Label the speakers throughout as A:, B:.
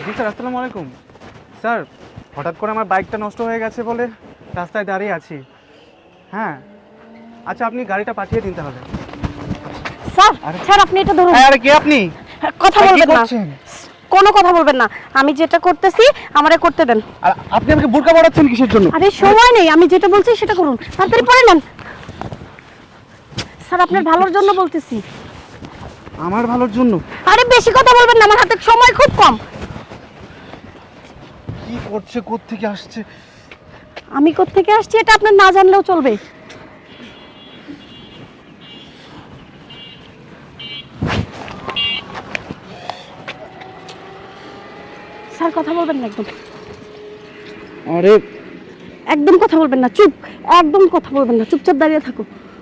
A: জি sir, আসসালামু আলাইকুম। Sir, হঠাৎ করে আমার বাইকটা নষ্ট হয়ে গেছে বলে রাস্তায় দাঁড়িয়ে আছি। হ্যাঁ, আচ্ছা আপনি গাড়িটা পাঠিয়ে দিন তাহলে।
B: স্যার স্যার আপনি এটা ধরুন।
A: আরে কে আপনি?
B: কথা বলবেন না, কোনো কথা বলবেন না। আমি যেটা করতেছি আমারে করতে দেন।
A: আর আপনি আমাকে বোরকা পরাচ্ছেন কিসের জন্য?
B: আরে সময় নেই, আমি যেটা বলছি সেটা করুন, তাড়াতাড়ি পড়ে নেন। স্যার আপনার ভালোর জন্য বলতেছি।
A: আমার ভালোর জন্য?
B: আরে বেশি কথা বলবেন না, আমার হাতে সময় খুব কম।
A: কি করছে, কোত্থেকে আসছে?
B: আমি কোত্থেকে আসছি এটা আপনার না জানলেও চলবে। স্যার কথা বলবেন না একদম।
A: আরে
B: একদম কথা বলবেন না, চুপ। একদম কথা বলবেন না, চুপচাপ দাঁড়িয়ে থাকো।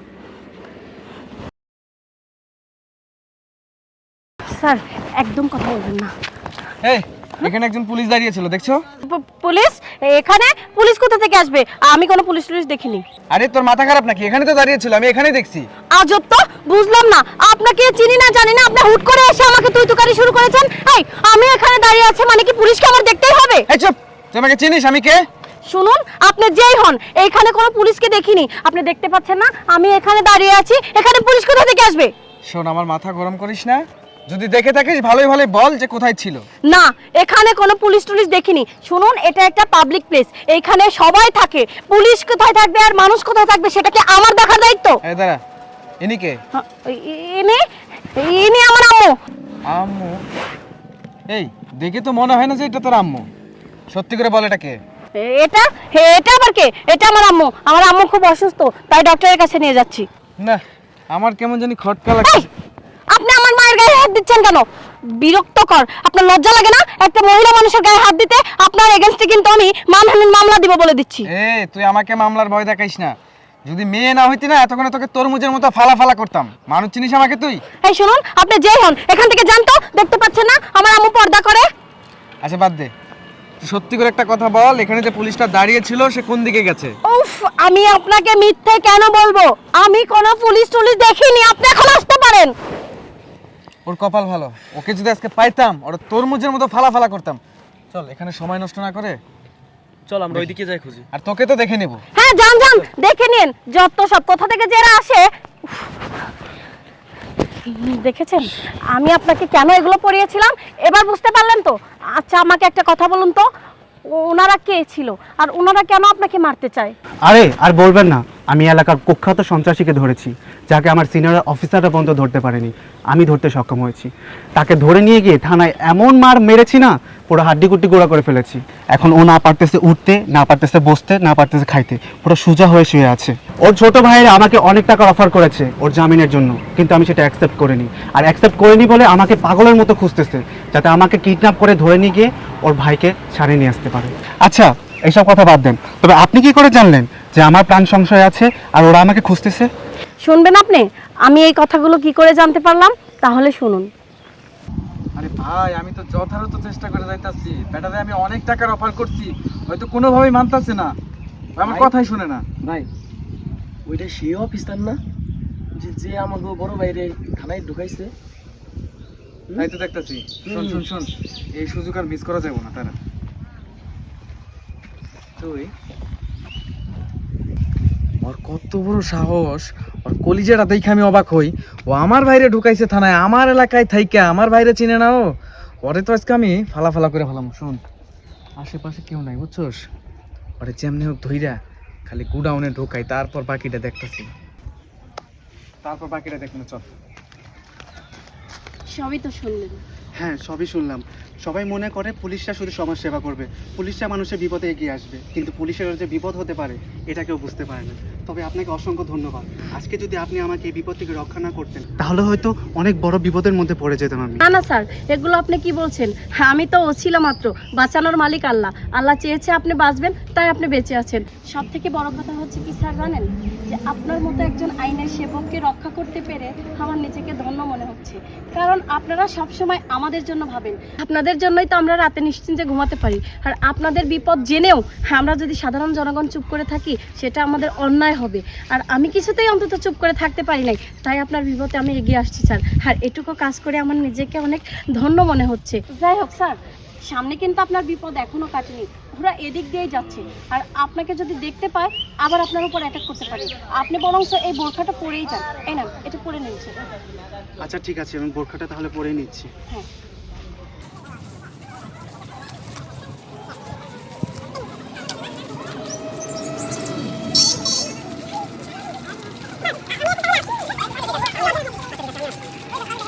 B: স্যার একদম কথা বলবেন না।
A: এই, এখানে একজন পুলিশ দাঁড়িয়ে ছিল, দেখছো?
B: পুলিশ? এখানে পুলিশ কোথা থেকে আসবে? আমি কোনো পুলিশ দেখিনি।
A: আরে তোর মাথা খারাপ নাকি? এখানে তো দাঁড়িয়ে ছিল, আমি এখানেই দেখছি।
B: আজব তো, বুঝলাম না। আপনাকে চিনি না জানি না, আপনি হুট করে এসে আমাকে তুই তুকারি শুরু করেছেন। এই আমি এখানে দাঁড়িয়ে আছি মানে কি পুলিশকে আমার দেখতেই হবে?
A: এই চুপ! তুই আমাকে চিনিস? আমি কে?
B: শুনুন, আপনি যেই হন, এইখানে কোনো পুলিশকে দেখিনি। আপনি দেখতে পাচ্ছেন না আমি এখানে দাঁড়িয়ে আছি? এখানে পুলিশ কোথা থেকে আসবে?
A: শোন, আমার মাথা গরম করিস না। যদি দেখে থাকিস ভালোই ভালোই বল যে কোথায় ছিল।
B: না, এখানে কোনো পুলিশ দেখিনি। শুনুন, এটা একটা পাবলিক প্লেস, এইখানে সবাই থাকে। পুলিশ কোথায় থাকবে আর মানুষ কোথায় থাকবে সেটা কি আমার দেখার দায়িত্ব?
A: এই দাঁড়া, ইনি কে?
B: ইনি ইনি আমার আম্মু।
A: আম্মু? এই দেখে তো মনে হয় না যে এটা তোর আম্মু। সত্যি করে বল, এটা কে?
B: এটা এটা আবার কে? এটা আমার আম্মু। আমার আম্মু খুব অসুস্থ, তাই ডক্টরের কাছে নিয়ে যাচ্ছি।
A: না, আমার কেমন জানি খটকা লাগছে।
B: আপনি আমার মায়ের গায়ে হাত দিচ্ছেন কেন? বিরক্তকর। আপনার লজ্জা লাগে না একটা মহিলা মানুষের গায়ে হাত দিতে? আপনার এগেইনস্টে কিন্তু আমি মানহানির মামলা দিব বলে দিচ্ছি।
A: এই তুই আমাকে মামলার ভয় দেখাইস না। যদি মেয়ে না হইতি না এতক্ষণে তোকে তরমুজের মতো ফালা ফালা করতাম। মানুষ চিনিস আমাকে তুই?
B: এই শুনুন, আপনি যেই হন এখান থেকে যান তো। দেখতে পাচ্ছেন না আমার আম্মু পর্দা করে?
A: আচ্ছা বাদ দে, তুই সত্যি করে একটা কথা বল, এখানে যে পুলিশটা দাঁড়িয়ে ছিল সে কোন দিকে গেছে?
B: উফ, আমি আপনাকে মিথ্যে কেন বলবো? আমি কোনো পুলিশ দেখিনি। আপনি এখন আসতে পারেন।
A: ওর কপাল ভালো, ওকে যদি আজকে পাইতাম ওরা তরমুজের মতো ফালা ফালা করতাম। চল এখানে সময় নষ্ট না করে চল আমরা ওইদিকে যাই খুঁজি। আর তোকে তো দেখে নেব।
B: হ্যাঁ যান যান, দেখে নিন। যত সব কোথা থেকে যারা আসে। উফ। দেখেছেন আমি আপনাকে কেন এগুলো পড়িয়েছিলাম? এবার বুঝতে পারলেন তো? আচ্ছা আমাকে একটা কথা বলুন তো, ওনারা কে ছিল আর ওনারা কেন আপনাকে মারতে চায়?
C: আরে আর বলবেন না, আমি এলাকার কুখ্যাত সন্ত্রাসীকে ধরেছি, যাকে আমার সিনিয়র অফিসাররা পর্যন্ত ধরতে পারেনি। আমি ধরতে সক্ষম হয়েছি। তাকে ধরে নিয়ে গিয়ে থানায় এমন মার মেরেছি না, পুরো হাড্ডিকুট্টি গোড়া করে ফেলেছি। এখন ও না পারতেছে উঠতে, না পারতেছে বসতে, না পারতেছে খাইতে, পুরো সোজা হয়ে শুয়ে আছে। ওর ছোট ভাইয়েরা আমাকে অনেক টাকা অফার করেছে ওর জামিনের জন্য, কিন্তু আমি সেটা অ্যাকসেপ্ট করিনি। আর অ্যাকসেপ্ট করিনি বলে আমাকে পাগলের মতো খুঁজতেছে, যাতে আমাকে কিডন্যাপ করে ধরে নিয়ে গিয়ে ওর ভাইকে ছাড়িয়ে নিয়ে আসতে পারে। আচ্ছা এইসব কথা বাদ দেন, তবে আপনি কি করে জানলেন যে আমার প্রাণ সংশয় আছে আর ওরা আমাকে খুঁজতেছে?
B: শুনবেন আপনি? আমি এই কথাগুলো কি করে জানতে পারলাম তাহলে শুনুন।
A: আরে ভাই, আমি তো যথাযথ চেষ্টা করে যাইতাছি। ব্যাটারে আমি অনেক টাকার অফার করছি, হয়তো কোনোভাবেই মানতাছে না। আমার কথাই শুনে না।
D: ভাই ওইটা সেই অফিসার না যে যে আমাকে বড় বাইরে থানায় ঢুকাইছে?
A: তাই তো দেখতাছি। শোন শোন শোন, এই সুযোগ আর মিস করা যাবে না। তারা
D: তুই
A: ওর কত বড় সাহস! ওর কলিজাটা দেখে আমি অবাক হই। ও আমার ভাইরে ঢুকাইছে থানায়, আমার এলাকায় থাইকা। আমার ভাইরে চিনে না ও। ওরে তো আজকে আমি ফালা ফালা করে ফেলাম। শোন, আশেপাশে কেউ নাই বুঝছস? ওরে যেমনি হোক ধইরা খালি গুডাউনে ঢোকাই, তারপর বাকিটা দেখতেছি। তারপর বাকিটা দেখুন। চল।
B: সবই তো শুনলেন।
C: হ্যাঁ সবই শুনলাম। সবাই মনে করে পুলিশরা শুধু সমাজ সেবা করবে, পুলিশরা মানুষের বিপদে এগিয়ে আসবে, কিন্তু পুলিশের যে বিপদ হতে পারে এটা কেউ বুঝতে পারে না। তবে আপনাকে অসংখ্য ধন্যবাদ। আজকে যদি আপনি আমাকে এই বিপদ থেকে রক্ষা না করতেন তাহলে হয়তো অনেক বড় বিপদের মধ্যে পড়ে যেতাম আমি।
B: না না স্যার, এগুলো আপনি কি বলছেন? হ্যাঁ, আমি তো ছিল মাত্র। বাঁচানোর মালিক আল্লাহ। আল্লাহ চেয়েছে আপনি বাঁচবেন, তাই আপনি বেঁচে আছেন। সব থেকে বড় কথা হচ্ছে কি স্যার জানেন, যে আপনার মতো একজন আইনের সেবককে রক্ষা করতে পেরে আমার নিজেকে ধন্য মনে হচ্ছে। কারণ আপনারা সবসময় আমাদের জন্য ভাবেন। আপনাদের জন্যই তো আমরা রাতে নিশ্চিন্তে ঘুমাতে পারি। আর আপনাদের বিপদ জেনেও আমরা যদি সাধারণ জনগণ চুপ করে থাকি সেটা আমাদের অন্যায় হবে। আর আমি কিছুতেই অন্তত চুপ করে থাকতে পারি নাই, তাই আপনার বিপদে আমি এগিয়ে আসছি স্যার। আর এটুকু কাজ করে আমার নিজেকে অনেক ধন্য মনে হচ্ছে। যাই হোক স্যার, সামনে কিন্তু আপনার বিপদ এখনো কাটেনি, ওরা এদিক দিয়েই যাচ্ছে, আর আপনাকে যদি দেখতে পায় আবার আপনার উপর অ্যাটাক করতে পারে। আপনি বরং এই বোরখাটা পরেই যান। এই না, এটা পরে নিয়েছে।
C: আচ্ছা ঠিক আছে, আমি বোরখাটা তাহলে পরে নিচ্ছি।
B: হ্যাঁ।